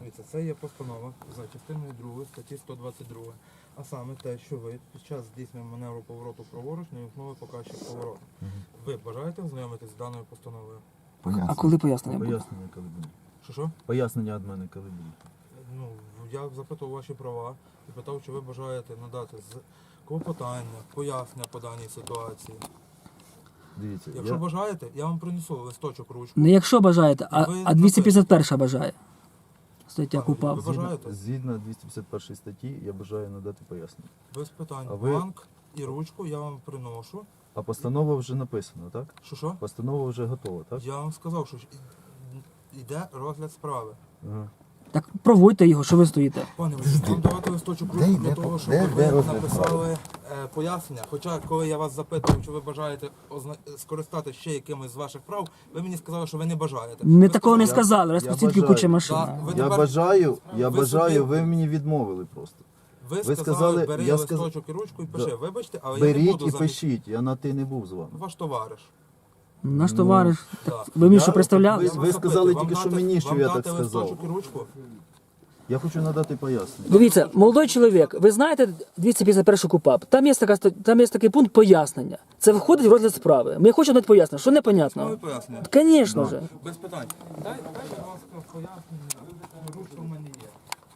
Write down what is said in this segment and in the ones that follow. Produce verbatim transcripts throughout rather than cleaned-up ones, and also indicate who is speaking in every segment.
Speaker 1: Дивіться, це є постанова за частиною другої статті сто двадцять два. А саме те, що ви під час здійснення маневру повороту праворуч не вімкнули показчик повороту. Ви бажаєте ознайомитись з даною постановою?
Speaker 2: А коли пояснення буде?
Speaker 3: Пояснення, коли буде.
Speaker 1: Що що?
Speaker 3: Пояснення від мене, коли буде.
Speaker 1: Ну, я запитував ваші права і питав, чи ви бажаєте надати з клопотання, пояснення по даній ситуації.
Speaker 3: Дивіться,
Speaker 1: Якщо
Speaker 3: я...
Speaker 1: бажаєте, я вам принесу листочок, ручку.
Speaker 2: Не якщо бажаєте, а,
Speaker 1: Ви
Speaker 2: а двісті п'ятдесят перша бажає. Стаття
Speaker 1: А,
Speaker 2: КУПАП.
Speaker 1: ви
Speaker 3: згідно,
Speaker 1: бажаєте?
Speaker 3: згідно двісті п'ятдесят першої статті, я бажаю надати пояснення.
Speaker 1: Без питань.
Speaker 3: А ви-
Speaker 1: Бланк і ручку я вам приношу.
Speaker 3: А постанова вже написана, так?
Speaker 1: Що що?
Speaker 3: Постанова вже готова, так?
Speaker 1: Я вам сказав, що ж і- йде розгляд справи.
Speaker 3: Ага.
Speaker 2: Так проводьте його, що ви стоїте.
Speaker 1: Пане, ви вам давати листочок ручку для того, щоб
Speaker 4: де-
Speaker 1: ви
Speaker 4: де розгляд
Speaker 1: написали е, пояснення. Хоча, коли я вас запитував, чи ви бажаєте озна- скористатися ще якимось з ваших прав, ви мені сказали, що ви не бажаєте.
Speaker 2: Ми
Speaker 1: Ви
Speaker 2: такого не
Speaker 1: сказали,
Speaker 2: сказали,
Speaker 3: я
Speaker 2: розпустіть
Speaker 3: бажаю.
Speaker 2: куча машин.
Speaker 1: Да, ви
Speaker 3: Я
Speaker 1: тепер-
Speaker 3: бажаю, я
Speaker 1: ви
Speaker 3: бажаю,
Speaker 1: собі-
Speaker 3: ви мені відмовили просто.
Speaker 1: Ви,
Speaker 3: ви
Speaker 1: сказали,
Speaker 3: сказали,
Speaker 1: бери
Speaker 3: я сказ-
Speaker 1: листочок і ручку і пиши.
Speaker 3: Да.
Speaker 1: Вибачте, але я не
Speaker 3: Беріть
Speaker 1: буду
Speaker 3: і
Speaker 1: замість...
Speaker 3: пишіть, я на ти не був з вами.
Speaker 1: Ваш товариш.
Speaker 2: Наш
Speaker 3: Ну,
Speaker 2: товариш.
Speaker 1: Да.
Speaker 2: Ви мені
Speaker 3: Я-
Speaker 2: що представляли?
Speaker 3: Ви-
Speaker 1: Я вас
Speaker 3: ви сказали
Speaker 1: запитую,
Speaker 3: тільки,
Speaker 1: вам
Speaker 3: що
Speaker 1: дати-
Speaker 3: мені, що
Speaker 1: вам
Speaker 3: я
Speaker 1: дати
Speaker 3: так сказав.
Speaker 1: листочок і ручку?
Speaker 3: Я хочу надати пояснення.
Speaker 2: Дивіться, молодий чоловік, ви знаєте двісті п'ятдесят перший КУПАП? Там є, така, ста- там є такий пункт пояснення. Це входить в розгляд справи. Ми хочемо дати пояснення. Що
Speaker 1: Ну,
Speaker 2: непонятно?
Speaker 1: ви пояснення.
Speaker 2: Звісно ж.
Speaker 1: Без питань. Дай, дай, будь ласка, пояснення. Ручка в мене є.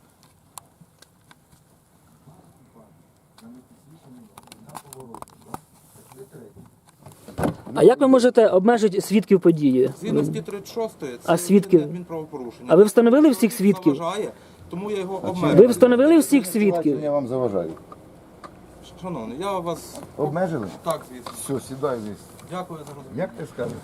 Speaker 2: А як ви можете обмежити свідків події?
Speaker 1: Згідно статті тридцять шостої, це
Speaker 2: А свідки?
Speaker 1: адмінправопорушення.
Speaker 2: А ви встановили всіх свідків?
Speaker 1: Заважає, тому я його
Speaker 2: Ви
Speaker 1: обмежую.
Speaker 2: встановили всіх свідків?
Speaker 4: Я вам заважаю.
Speaker 1: Шановний, я вас...
Speaker 4: Обмежили?
Speaker 1: Так, звісно.
Speaker 4: Все, сідай вниз.
Speaker 1: Дякую за розуміння.
Speaker 4: Як ти скажеш?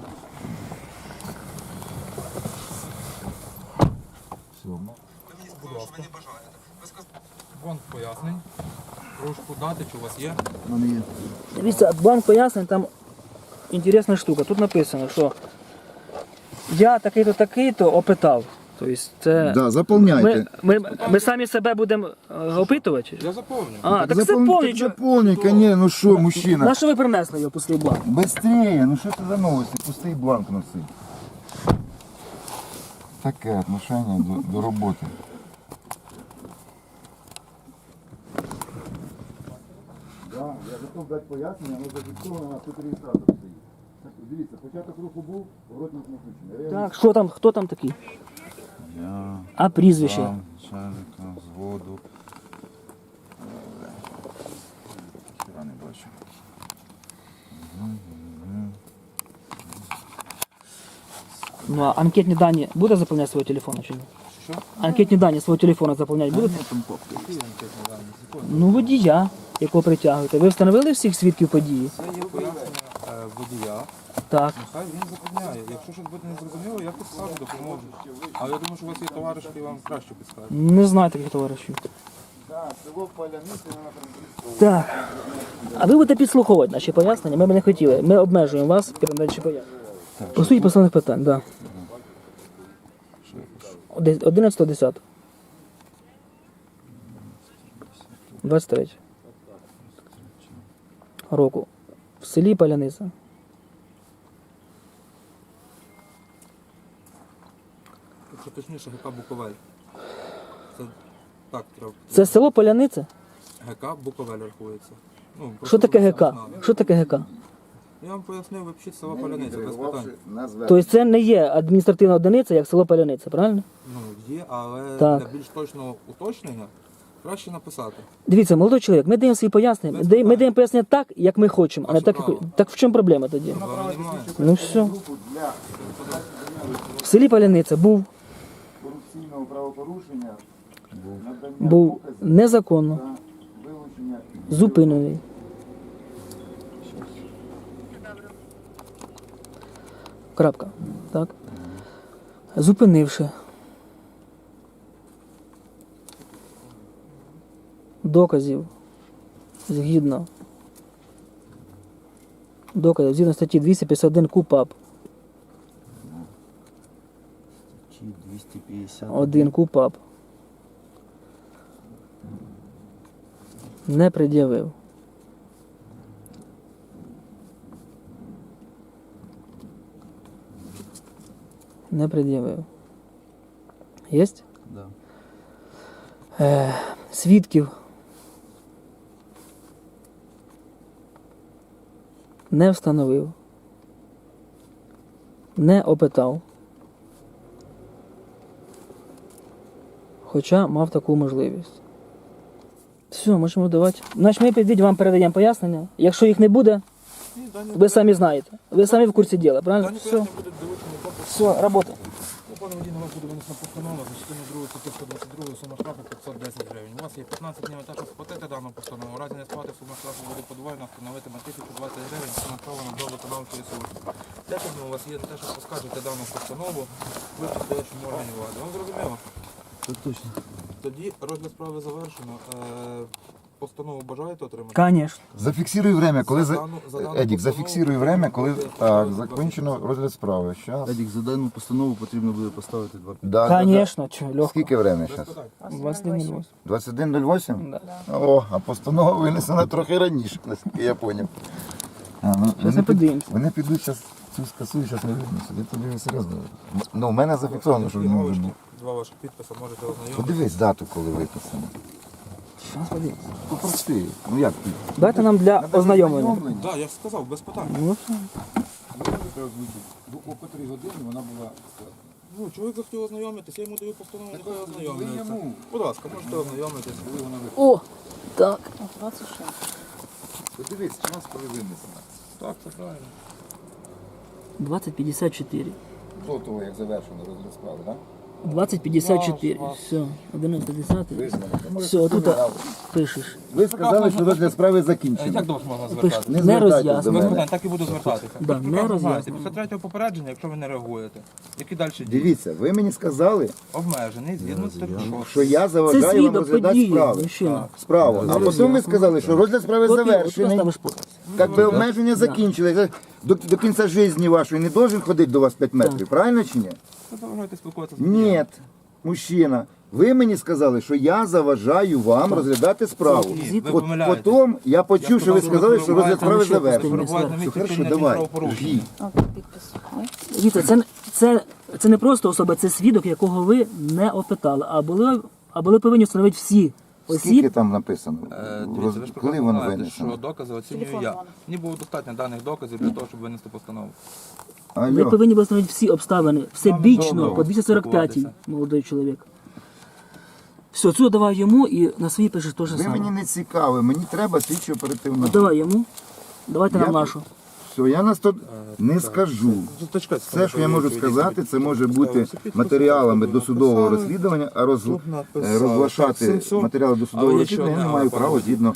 Speaker 4: Все, ну.
Speaker 1: Будь ласка. Вон пояснень. Ручку дати, чи у вас є?
Speaker 4: в мене є.
Speaker 2: Дивіться, бланк пояснень, там інтересна штука. Тут написано, що я такий-то, такий-то опитав. Тобто це...
Speaker 4: Да,
Speaker 2: Ми,
Speaker 4: заповняйте.
Speaker 2: ми, ми самі себе будемо е, опитувати?
Speaker 1: Я заповню.
Speaker 2: А, так, це
Speaker 4: Заповнюй,
Speaker 2: повні.
Speaker 4: так заповнюй, конечно, ну що, мужчина.
Speaker 2: На що ви принесли його пустий бланк?
Speaker 4: Быстрее, ну що це за новості? Пустий бланк носи. Таке отношення до, до роботи. Да, я готов дати пояснення, але зафіксовано на тут реєстратор стоїть. Так, дивіться, початок руху був, поворотник не включений. Реально.
Speaker 2: Так, що там, хто там такий?
Speaker 3: Я
Speaker 2: А прізвище?
Speaker 3: сам начальника взводу.
Speaker 4: Хіра не бачу.
Speaker 2: Ну, а анкетні дані буде заповняти свого телефону чи ні?
Speaker 1: Що?
Speaker 2: Анкетні дані свого телефону заповняти будете? Ну, водія, якого притягуєте. Ви встановили всіх свідків події?
Speaker 1: Це є пояснення е, водія.
Speaker 2: Так.
Speaker 1: Нехай він заповняє. Якщо щось буде незрозуміло, я підскажу, допоможу. Але я думаю, що у вас є товариш, який вам краще підскаже.
Speaker 2: Не знаю таких товаришів.
Speaker 4: Так, село Поляниці, вона
Speaker 2: Так. А ви будете підслуховувати наші пояснення? Ми б не хотіли. Ми обмежуємо вас передачі пояснень. По суті поставлених питань, так. Да. одинадцятого десятого. двадцять третього. Року. В селі Поляниця.
Speaker 1: Якщо точніше, ГК Буковель. Це так треба.
Speaker 2: Це село Поляниця?
Speaker 1: ГК Буковель рахується. Ну,
Speaker 2: Що таке
Speaker 1: просто
Speaker 2: ГК?
Speaker 1: щоб ви знали.
Speaker 2: Що таке ГК?
Speaker 1: Я вам пояснив, ви пишіть село Поляниця, без питань.
Speaker 2: Тобто це не є адміністративна одиниця, як село Поляниця, правильно?
Speaker 1: Ну, є, але
Speaker 2: Так.
Speaker 1: для більш точного уточнення краще написати.
Speaker 2: Дивіться, молодий чоловік, ми даємо свої пояснення. Ми даємо, ми даємо пояснення так, як ми хочемо, а не
Speaker 1: Ваше
Speaker 2: так, як...
Speaker 1: право.
Speaker 2: Так в чому проблема тоді?
Speaker 1: Вам немає.
Speaker 2: Ну все. В селі Поляниця був,
Speaker 4: Корупційного правопорушення надання
Speaker 2: був
Speaker 4: доказів
Speaker 2: незаконно
Speaker 4: та вилучення
Speaker 2: зупинений. Крапка. Так. Зупинивши доказів згідно доказів згідно статті двісті п'ятдесят один КУПАП.
Speaker 3: Чи двісті п'ятдесят
Speaker 2: Один КУПАП. Не пред'явив. Не пред'явив. Єсть?
Speaker 3: Да.
Speaker 2: Е, свідків не встановив, не опитав, хоча мав таку можливість. Все, можемо давати. Значить, ми підійдіть, вам передаємо пояснення. Якщо їх не буде,
Speaker 1: Ні, дані
Speaker 2: ви самі знаєте. Ви самі в курсі діла, правильно?
Speaker 1: дані
Speaker 2: Все,
Speaker 1: пояснення будуть долучені до
Speaker 2: все, робота.
Speaker 1: Пане водій, на вас буде винесена постанова за частину другу статті сто двадцять два, сума штрафу п'ятсот десять гривень. У вас є п'ятнадцять днів на те, щоб сплатити дану постанову. У разі не сплати сума штрафу буде подвоєна, встановитиме тисячу двадцять гривень, це направлено до виконавчої служби. десять днів у вас є на те, щоб поскаржити дану постанову в підстоячому органі влади. Вам зрозуміло?
Speaker 3: Так точно.
Speaker 1: Тоді розгляд справи завершено. Е, Постанову бажаєте отримати?
Speaker 2: Конечно.
Speaker 4: Зафіксируй время, коли
Speaker 1: За
Speaker 4: за...
Speaker 1: дану- за дану
Speaker 4: Едік,
Speaker 1: постанову
Speaker 4: зафіксируй время, коли
Speaker 1: буде
Speaker 4: так,
Speaker 1: двадцять
Speaker 4: закінчено
Speaker 1: хвилин.
Speaker 4: розгляд справи. Щас.
Speaker 3: Едік, за дану постанову потрібно буде поставити два підписи.
Speaker 4: Да, да,
Speaker 2: Конечно, чого,
Speaker 4: да.
Speaker 2: легко.
Speaker 4: Скільки время
Speaker 1: Без
Speaker 4: зараз?
Speaker 1: питань.
Speaker 2: двадцять один нуль восемь.
Speaker 4: двадцять один нуль вісім?
Speaker 2: Да.
Speaker 4: О, а постанова винесена трохи раніше, наскільки я зрозумів. А, ну,
Speaker 2: Щас ми
Speaker 4: вони, під...
Speaker 2: подивимося.
Speaker 4: вони підуть зараз цю скасують, зараз не винесуть. Я тобі серйозно. Ну, у мене зафіксовано, що
Speaker 1: Дві
Speaker 4: вони
Speaker 1: галочки,
Speaker 4: винні.
Speaker 1: Два ваших підписи можете ознайомитися.
Speaker 4: Подивись дату, коли виписано.
Speaker 2: Щас подивимося.
Speaker 4: Попрости. Ну як ти?
Speaker 2: Дайте нам для ознайомлення.
Speaker 1: Так, я ж сказав, без питань.
Speaker 2: Ну, все.
Speaker 4: О котрій годині вона була.
Speaker 1: Ну, чоловік захотів ознайомитись, я йому даю постанову, нехай ознайомлюється. Будь ласка, можете ознайомитись.
Speaker 2: О, так.
Speaker 4: Подивись, час, коли винесено.
Speaker 1: Так, це правильно.
Speaker 2: двадцять п'ятдесят чотири.
Speaker 4: До того, як завершено розгляд справи, так?
Speaker 2: двадцять п'ятдесят чотири. Все, одинадцять десятий.
Speaker 4: Визнано.
Speaker 2: Все, тут пишеш.
Speaker 4: Ви сказали, що розгляд справи закінчено.
Speaker 1: Як до вас можна
Speaker 2: Пишеш.
Speaker 1: звертатися?
Speaker 4: Не
Speaker 2: Не
Speaker 4: звертайтесь до
Speaker 2: роз'яснено.
Speaker 1: Без
Speaker 4: мене.
Speaker 1: питань, так і буду звертатися.
Speaker 2: Да,
Speaker 1: Ви
Speaker 2: не
Speaker 1: прекрасно знаєте,
Speaker 2: роз'яснено.
Speaker 1: після третього попередження, якщо ви не реагуєте, які далі дії?
Speaker 4: Дивіться, ви мені сказали,
Speaker 1: Обмежений, згідно з тим,
Speaker 4: що я
Speaker 2: Це
Speaker 4: заважаю вам
Speaker 2: свідок
Speaker 4: розглядати
Speaker 2: події,
Speaker 4: справи.
Speaker 2: мужчина.
Speaker 4: Справу. А потім ви сказали, що розгляд справи
Speaker 2: Копію, от туди
Speaker 4: завершений.
Speaker 2: ставиш подпис.
Speaker 4: Як би обмеження закінчили. До, до кінця життя вашої не должен ходити до вас п'ять метрів, правильно чи ні?
Speaker 1: ви заважаєте спілкуватися з
Speaker 4: Ні,
Speaker 1: водієм.
Speaker 4: мужчина. Ви мені сказали, що я заважаю вам розглядати справу.
Speaker 1: Ні, ви
Speaker 4: От
Speaker 1: помиляєтесь.
Speaker 4: потім я почув, що ви сказали, що розгляд справи
Speaker 2: Там ще
Speaker 4: завершений.
Speaker 1: Перебувають на
Speaker 4: Все,
Speaker 1: місці
Speaker 4: хорошо,
Speaker 1: вчинення
Speaker 4: давай.
Speaker 1: правопорушення.
Speaker 4: Жги.
Speaker 2: Дивіться, це, це, це не просто особа, це свідок, якого ви не опитали, а були, а були повинні встановити всі
Speaker 4: Скільки
Speaker 2: осіб.
Speaker 4: там написано?
Speaker 1: Е,
Speaker 4: Роз-
Speaker 1: Дивіться, ви ж
Speaker 4: Коли
Speaker 1: прекрасно
Speaker 4: воно
Speaker 1: знаєте,
Speaker 4: винесено?
Speaker 1: що докази оцінюю я. Мені було достатньо даних доказів для того, щоб винести постанову.
Speaker 2: Ви
Speaker 4: Алло.
Speaker 2: повинні були встановити всі обставини, всебічно,
Speaker 1: добре.
Speaker 2: по двісті сорок п'ятій,
Speaker 1: Спілкуватися.
Speaker 2: молодий чоловік. Все, цю давай йому і на свій пишеш те ж
Speaker 4: Ви мені
Speaker 2: саме.
Speaker 4: не цікаві, мені треба слідчо оперативно.
Speaker 2: Давай йому, давайте нам
Speaker 4: Я-
Speaker 2: нашу.
Speaker 4: Все, я на сто не скажу. Все, що я можу сказати, це може бути матеріалами досудового розслідування, а роз...
Speaker 1: Тут
Speaker 4: е,
Speaker 1: написали.
Speaker 4: розглашати
Speaker 1: Так, сенсо.
Speaker 4: матеріали досудового
Speaker 1: Але
Speaker 4: розслідування я
Speaker 1: нічого
Speaker 4: не
Speaker 1: не
Speaker 4: маю
Speaker 1: написано.
Speaker 4: права згідно.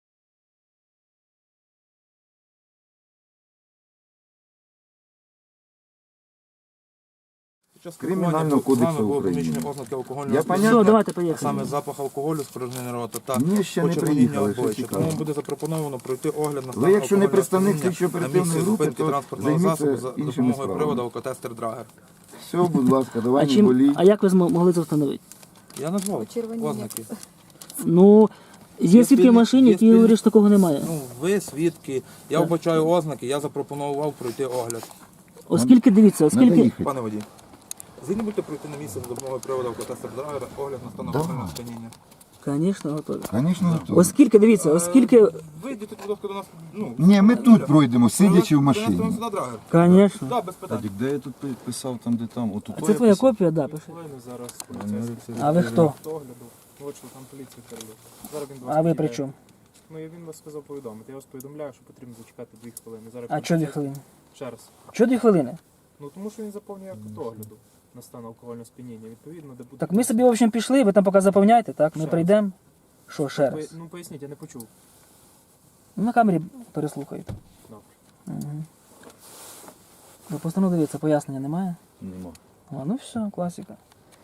Speaker 4: Кримінального кодексу України. Я
Speaker 2: Все,
Speaker 4: понятно.
Speaker 2: давайте
Speaker 1: А
Speaker 2: поїхали.
Speaker 1: саме запах алкоголю, спорожнення рота та
Speaker 4: Ні, ще не
Speaker 1: почервоніння
Speaker 4: приїхали, що
Speaker 1: обличчя.
Speaker 4: цікаво.
Speaker 1: Тому буде запропоновано пройти огляд на стан
Speaker 4: Ви, якщо не
Speaker 1: алкогольного
Speaker 4: представник
Speaker 1: сп'яніння
Speaker 4: слідчо-оперативної
Speaker 1: на місці
Speaker 4: групи,
Speaker 1: зупинки
Speaker 4: то
Speaker 1: транспортного
Speaker 4: займіться
Speaker 1: засобу за
Speaker 4: іншими
Speaker 1: допомогою
Speaker 4: справами.
Speaker 1: приводу алкотестер Драгер.
Speaker 4: Все, будь ласка, давай
Speaker 2: А,
Speaker 4: не
Speaker 2: чим,
Speaker 4: боліть.
Speaker 2: а як ви змо- могли це встановити?
Speaker 1: Я назвав
Speaker 5: Почервоніння.
Speaker 1: ознаки.
Speaker 2: Ну, є
Speaker 1: Є
Speaker 2: свідки в
Speaker 1: спільні-
Speaker 2: машині,
Speaker 1: є
Speaker 2: які
Speaker 1: спільні-
Speaker 2: говорять, що такого немає.
Speaker 1: Ну, ви свідки, я
Speaker 2: Так.
Speaker 1: вбачаю ознаки, я запропонував пройти огляд.
Speaker 2: Оскільки, дивіться,
Speaker 4: Надо
Speaker 2: оскільки...
Speaker 4: їхати.
Speaker 1: Пане водій, згідно будете пройти на місце за допомогою приводу алкотестер Драгер, огляд на стан
Speaker 4: Да.
Speaker 1: алкогольного сп'яніння.
Speaker 2: Звісно, готові.
Speaker 4: Звісно, готові.
Speaker 2: Оскільки, дивіться, оскільки...
Speaker 1: Вийдіть, будь ласка, до нас. Ну,
Speaker 4: Ні, ми тут пройдемо, сидячи в
Speaker 1: Принесемо
Speaker 4: машині.
Speaker 1: сюди Драгер.
Speaker 2: Звісно.
Speaker 1: Так, без питань.
Speaker 3: Едік, де я тут пи- писав, там, де там? Отут
Speaker 2: А це твоя копія, да, пиши.
Speaker 6: Зараз
Speaker 2: А ви хто?
Speaker 6: огляду. От що там поліція передає. Зараз він до вас
Speaker 2: А ви
Speaker 6: підійде.
Speaker 2: при чому?
Speaker 6: Ну і він вас сказав повідомити. Я вас повідомляю, що потрібно зачекати дві хвилини. Зараз
Speaker 2: А
Speaker 6: він
Speaker 2: чого дві
Speaker 6: прийде.
Speaker 2: хвилини?
Speaker 6: Ще раз.
Speaker 2: Чого дві хвилини?
Speaker 6: Ну тому що він заповнює акт огляду на стан алкогольного сп'яніння. Відповідно, де буде.
Speaker 2: Так ми собі, в общем, пішли, ви там поки заповняєте, так? Ми
Speaker 6: Ще
Speaker 2: прийдемо. Що, ще
Speaker 6: Ви-
Speaker 2: раз?
Speaker 6: Ну поясніть, я не почув.
Speaker 2: Ну, на камері переслухають.
Speaker 6: Добре.
Speaker 2: Угу. Ви постанову дивіться, пояснення немає?
Speaker 3: Нема.
Speaker 2: А, ну все, класика.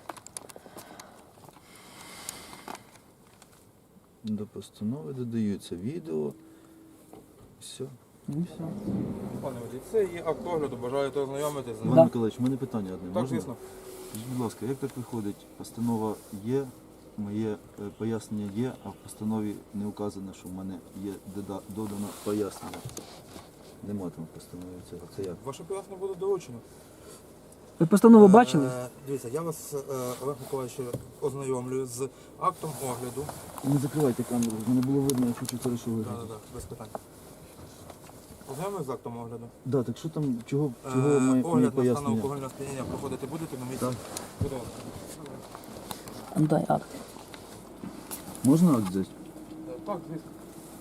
Speaker 3: До постанови додаються відео. Все.
Speaker 2: Ну все.
Speaker 1: Пане водій, це є акт огляду, бажаєте ознайомитись з ним.
Speaker 3: Іван Миколаївич, у мене питання одне.
Speaker 1: Так,
Speaker 3: Можна?
Speaker 1: звісно.
Speaker 3: Скажіть, будь ласка, як так виходить? Постанова є, моє е, пояснення є, а в постанові не указано, що в мене є дода- додано пояснення. Нема там в постанові цього. Це як?
Speaker 1: Ваше пояснення буде долучено.
Speaker 2: Ви постанову бачили?
Speaker 1: Е, Дивіться, я вас, е, Олег Миколаївич, ознайомлюю з актом огляду.
Speaker 3: Не закривайте камеру, мене було видно, я хочу хорошо
Speaker 1: Так,
Speaker 3: виглядати.
Speaker 1: так, так, без питань. Ознайомлюю з актом огляду.
Speaker 3: Да, так що там, чого,
Speaker 1: Е,
Speaker 3: чого моє, моє
Speaker 1: Огляд на стан
Speaker 3: пояснення?
Speaker 1: алкогольного сп'яніння проходити будете на місці?
Speaker 3: Так.
Speaker 1: Будь ласка.
Speaker 2: А, дай акт.
Speaker 3: Можна акт взяти?
Speaker 1: Е, Так, звісно.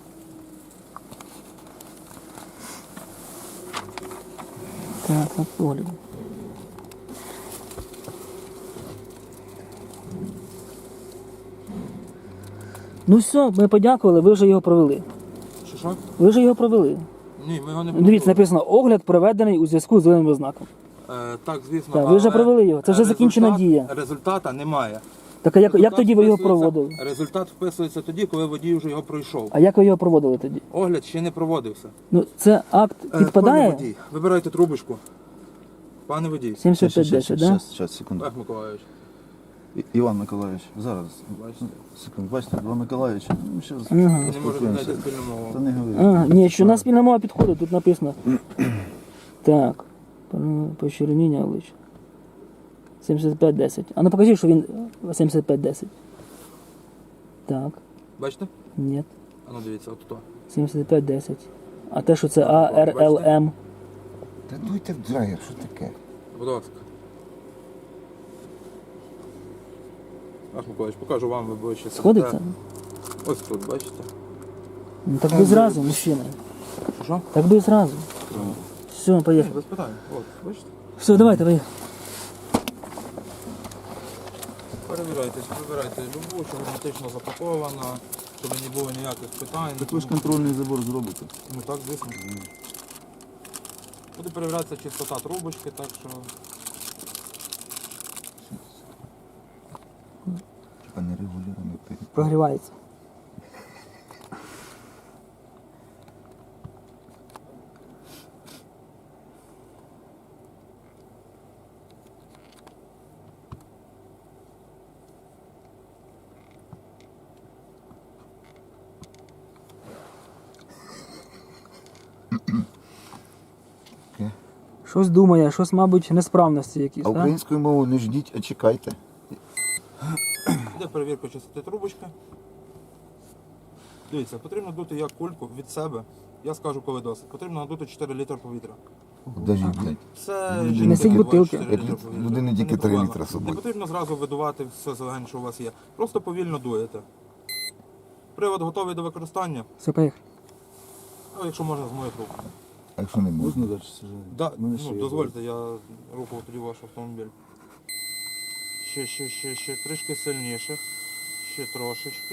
Speaker 2: Так, на погляду. Ну все, ми подякували, ви вже його провели.
Speaker 1: Що, що?
Speaker 2: Ви вже його провели.
Speaker 1: Ні, ми його не
Speaker 2: Дивіться,
Speaker 1: провели.
Speaker 2: написано огляд проведений у зв'язку з зеленим ознаком.
Speaker 1: Е, Так, звісно.
Speaker 2: Так, ви вже
Speaker 1: але
Speaker 2: провели його, це вже
Speaker 1: результат-
Speaker 2: закінчена дія.
Speaker 1: Результата немає.
Speaker 2: Так а як, як
Speaker 1: Результат
Speaker 2: тоді ви його
Speaker 1: вписується-
Speaker 2: проводили?
Speaker 1: Результат вписується тоді, коли водій вже його пройшов.
Speaker 2: А як ви його проводили тоді?
Speaker 1: Огляд ще не проводився.
Speaker 2: Ну це акт
Speaker 1: Е, Пане
Speaker 2: підпадає?
Speaker 1: водій, вибирайте трубочку. Пане водій,
Speaker 2: сімдесят п'ять десять, так?
Speaker 3: Зараз, зараз, секунду.
Speaker 1: Олег Миколаївич,
Speaker 3: І- Іван Миколаївич, зараз.
Speaker 1: бачите?
Speaker 3: Секунду, бачите, два Миколаївича. Ну, зараз
Speaker 2: Ага.
Speaker 1: Не можете
Speaker 3: поспілкуємося.
Speaker 1: знайти спільну мову.
Speaker 3: Та не говори.
Speaker 2: А, ні, що на спільна мова підходить, тут написано. Так, почервоніння обличчя. сімдесят п'ять десять. А ну покажи, що він сімдесят п'ять десять. Так,
Speaker 1: Бачите?
Speaker 2: ні.
Speaker 1: А ну дивіться, от то.
Speaker 2: сімдесят п'ять десять. А те, що це А Р Л М.
Speaker 4: Та дуйте в драгер, що таке?
Speaker 1: Будь ласка. Олег Миколаївич, покажу вам, ви ближче.
Speaker 2: Сходиться?
Speaker 1: Ось тут, бачите?
Speaker 2: Ну так би зразу, мужчина.
Speaker 1: Що, що?
Speaker 2: Так би зразу. Все,
Speaker 1: Ні,
Speaker 2: поїхали.
Speaker 1: без питань. От, бачите?
Speaker 2: Все, давайте, поїхали.
Speaker 1: Перевіряйте, вибирайте любу, що герметично запакована, щоб не було ніяких питань.
Speaker 3: Так ви ж контрольний забор зробите.
Speaker 1: Ну так, звісно. Буде перевірятися чистота трубочки, так що
Speaker 4: Типа нерегулярно перед.
Speaker 2: Прогрівається.
Speaker 4: Таке.
Speaker 2: Щось думає, щось, мабуть, несправності якісь,
Speaker 4: А
Speaker 2: так?
Speaker 4: українською мовою не ждіть, а чекайте.
Speaker 1: йде перевірка чистоти трубочки. Дивіться, потрібно дути як кульку від себе. Я скажу, коли досить. Потрібно надути чотири літри повітря.
Speaker 4: Даже, блядь.
Speaker 1: Це
Speaker 4: Несіть
Speaker 1: жінки бувають
Speaker 2: бутилки.
Speaker 1: чотири
Speaker 4: Як
Speaker 1: літри
Speaker 4: люд-
Speaker 1: повітря.
Speaker 4: людини
Speaker 1: Це
Speaker 4: тільки
Speaker 1: не
Speaker 4: три
Speaker 1: проблема.
Speaker 4: літра з собою.
Speaker 1: Не потрібно зразу видувати все зелень, що у вас є. Просто повільно дуєте. Привод готовий до використання.
Speaker 2: Все, поїхали.
Speaker 1: А якщо можна, з моєї рук.
Speaker 4: А якщо не можна?
Speaker 3: Можна далі сажати?
Speaker 1: Да,
Speaker 3: Мене ще
Speaker 1: ну,
Speaker 3: є
Speaker 1: дозвольте, я рухав тоді ваш автомобіль. Ще, ще, ще, ще, трішки сильніше. Ще трошечки.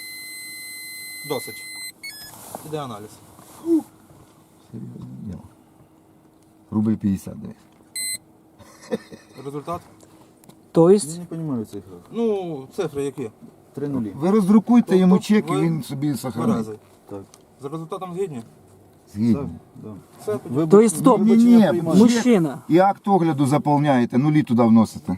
Speaker 1: Досить. Іде аналіз.
Speaker 4: Серйозне діло. Рубль п'ятдесят, дивись.
Speaker 1: Результат?
Speaker 2: Тобто,
Speaker 3: Я не розумію цих граф.
Speaker 1: Ну, цифри які?
Speaker 3: Три нулі.
Speaker 4: Ви роздрукуйте йому
Speaker 1: Тобто
Speaker 4: чек і
Speaker 1: ви
Speaker 4: він собі сохранить.
Speaker 1: Березий.
Speaker 3: Так.
Speaker 1: За результатом згідні?
Speaker 3: Так,
Speaker 4: Згідно.
Speaker 3: да.
Speaker 1: Все, тоді.
Speaker 3: Ви
Speaker 2: Тобто, стоп.
Speaker 3: вибачення
Speaker 4: Ні-ні,
Speaker 3: приймаєте.
Speaker 4: Є.
Speaker 2: Мужчина.
Speaker 4: І акт огляду заповняєте, нулі туди вносите.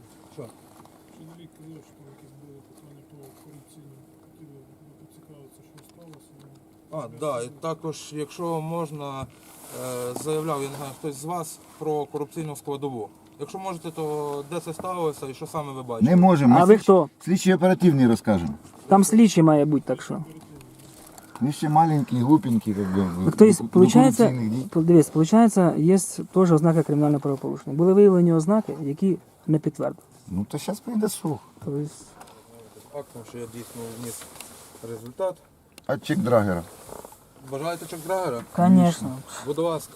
Speaker 5: Чоловік казав, що там якісь були питання по корупційному. Хотіли поцікавитися, що сталося.
Speaker 1: А, да, і також, якщо можна, е, заявляв, я не знаю, хтось з вас про корупційну складову. Якщо можете, то де це сталося і що саме ви бачите?
Speaker 4: Не можемо.
Speaker 2: А
Speaker 4: Ми
Speaker 2: ви
Speaker 4: слідчі-
Speaker 2: хто?
Speaker 4: Слідчі оперативні розкажемо.
Speaker 2: Там слідчий має бути, так що.
Speaker 4: Ви ще маленькі, глупенькі, як би.
Speaker 2: Так, то есть,
Speaker 4: до
Speaker 2: получается,
Speaker 4: корупційних дій.
Speaker 2: дивись, получается, є теж ознаки кримінального правопорушення. Були виявлені ознаки, які не підтвердили.
Speaker 4: Ну то зараз прийде сух.
Speaker 2: Тобто,
Speaker 1: Актом, що я дійсно вніс результат.
Speaker 4: А чек драгера?
Speaker 1: Бажаєте чек драгера?
Speaker 2: звісно.
Speaker 1: Будь ласка.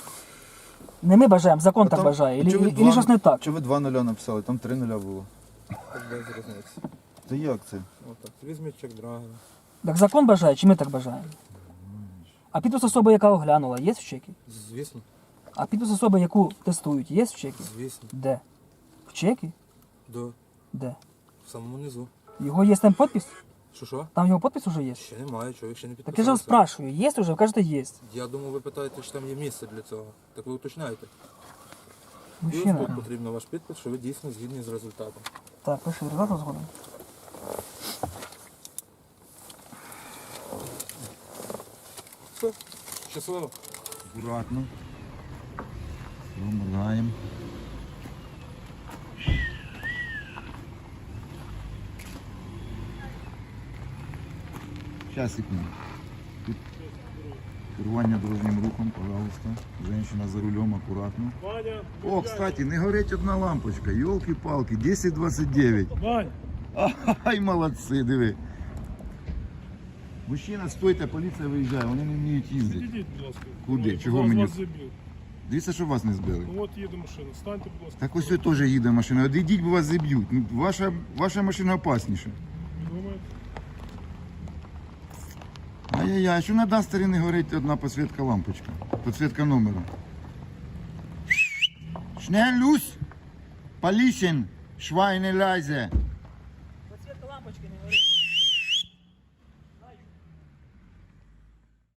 Speaker 2: Не ми бажаємо, закон
Speaker 3: А
Speaker 2: так
Speaker 3: там-
Speaker 2: бажає. Ілі,
Speaker 3: чи ви
Speaker 2: ілі
Speaker 3: два-
Speaker 2: щось не так.
Speaker 3: Чи ви два нуля написали? Там три нуля було.
Speaker 1: Так без різниці.
Speaker 3: Та як це?
Speaker 1: Отак. Візьміть чек драгера.
Speaker 2: Так закон бажає, чи ми так бажаємо? А підпис особи, яка оглянула, є в чекі?
Speaker 1: Звісно,
Speaker 2: А підпис особи, яку тестують, є в чекі?
Speaker 1: звісно.
Speaker 2: Де? В чекі?
Speaker 1: До
Speaker 2: Де?
Speaker 1: в самому низу.
Speaker 2: Його є там підпис?
Speaker 1: Що що?
Speaker 2: Там його підпис уже є?
Speaker 1: Ще немає, чоловік ще не
Speaker 2: Так я ж
Speaker 1: підписався.
Speaker 2: вас спрашиваю, є вже? Ви кажете, є.
Speaker 1: Я думаю, ви питаєте, чи там є місце для цього. Так ви уточняєте. І ось
Speaker 2: Мужчина.
Speaker 1: тут потрібно ваш підпис, що ви дійсно згідні з результатом.
Speaker 2: Так, пиши результат згодом.
Speaker 1: Все, щасливо.
Speaker 4: Аккуратно. Поминаємо. Сейчас, секунду. Тут керування дорожнім рухом, пожалуйста. Женщина за рулем, акуратно.
Speaker 5: Ваня,
Speaker 4: О, кстати, не горить одна лампочка. Йолки-палки, десять двадцять дев'ять.
Speaker 5: Вань,
Speaker 4: Ай, молодці, диви. Мужчина, стойте, поліція виїжджає, вони не вміють їздити.
Speaker 5: підійдіть, будь ласка.
Speaker 4: Куди?
Speaker 5: Вас-
Speaker 4: Чого
Speaker 5: вас-
Speaker 4: мені?
Speaker 5: Вас забив.
Speaker 4: Дивіться, що вас не збили.
Speaker 5: Ну от їде машина. Станьте, будь ласка.
Speaker 4: Так ось ось теж їде машина. Одійдіть, бо вас зіб'ють. Ну, ваша, ваша машина опасніша.
Speaker 5: Думаєте?
Speaker 4: Ай-яй-яй, що на Дастері не горить одна підсвітка лампочка? Підсвітка номеру. Schnell, Luß! Полісін! Schweine leise!